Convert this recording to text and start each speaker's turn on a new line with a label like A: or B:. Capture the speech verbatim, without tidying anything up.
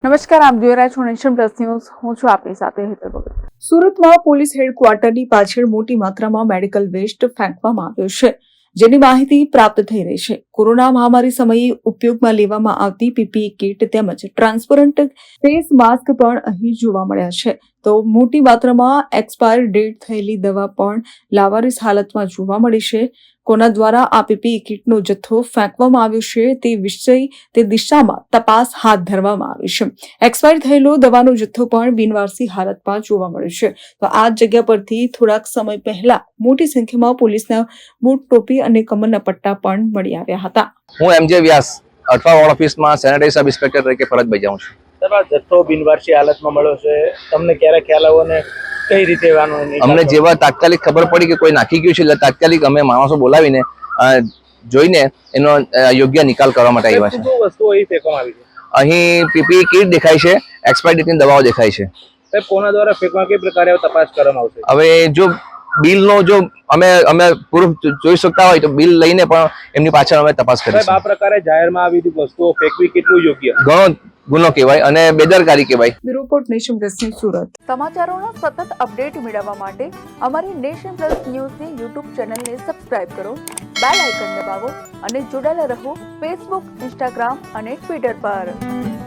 A: નમસ્કાર, આપ જોઈ રહ્યા છો નેશન પ્લસ ન્યૂઝ. હું છું આપની સાથે હેતલ ભગત. સુરતમાં પોલીસ હેડક્વાર્ટરની પાછળ મોટી માત્રામાં મેડિકલ વેસ્ટ ફેંકવામાં આવ્યો છે, જેની માહિતી પ્રાપ્ત થઈ રહી છે. કોરોના મહામારી સમયે ઉપયોગમાં લેવામાં આવતી પીપીઈ કીટ તેમજ ટ્રાન્સપરન્ટ ફેસ માસ્ક પણ અહીં જોવા મળ્યા છે. તો મોટી માત્રામાં એક્સપાયર ડેટ થયેલી દવા પણ લાવારીસ હાલતમાં જોવા મળી છે. કોના દ્વારા આ પીપીઈ કીટનો જથ્થો ફેંકવામાં આવ્યો છે તે વિષય તે દિશામાં તપાસ હાથ ધરવામાં આવી છે. એક્સપાયર થયેલો દવાનો જથ્થો પણ બિનવારસી હાલતમાં જોવા મળ્યો છે. તો આ જગ્યા પરથી થોડાક સમય પહેલા મોટી સંખ્યામાં પોલીસના બૂટ, ટોપી અને કમરના પટ્ટા પણ મળી આવ્યા હતા.
B: હું એમજે વ્યાસ અઠવા વોર્ડ ઓફિસમાં સેનેટરી સબ ઇન્સ્પેક્ટર તરીકે ફરજ બજાવું છું.
C: આ જથ્થો બિનવારસી હાલતમાં મળ્યો છે, તમને ક્યારે ખ્યાલ આવ્યો ને કઈ રીતે
B: અમને જેવા તાત્કાલિક ખબર પડી કે કોઈ નાખી ગયું છે એટલે તાત્કાલિક અમે માણસો બોલાવીને જોઈને એનો યોગ્ય નિકાલ કરવા માટે આવ્યા છે.
C: શું વસ્તુઓ અહીં ફેંકવામાં આવી છે?
B: અહીં પીપીઈ કીટ દેખાય છે, એક્સપાયર ડેટની દવાઓ દેખાય છે.
C: સાહેબ, કોના દ્વારા ફેંકવામાં કઈ પ્રકારે તપાસ કરવામાં આવશે?
B: હવે જો બિલનો જો અમે અમે પૂરું જોઈ શકતા હોય તો બિલ લઈને પણ એમની પાછળ અમે તપાસ કરીશું.
C: આ પ્રકારે જાહેરમાં આવી વસ્તુઓ ફેંકવી કેટલું યોગ્ય?
B: ઘણો ગુનો કહેવાય અને બેદરકારી કહેવાય.
A: Bureau report Nation Plus News Surat. સમાચારોનો સતત અપડેટ મેળવવા માટે અમારી નેશન પ્લસ ન્યૂઝની યુટ્યુબ ચેનલને સબસ્ક્રાઇબ કરો, બેલ આઇકન દબાવો અને જોડાયેલા રહો ફેસબુક, ઇન્સ્ટાગ્રામ અને ટ્વિટર પર.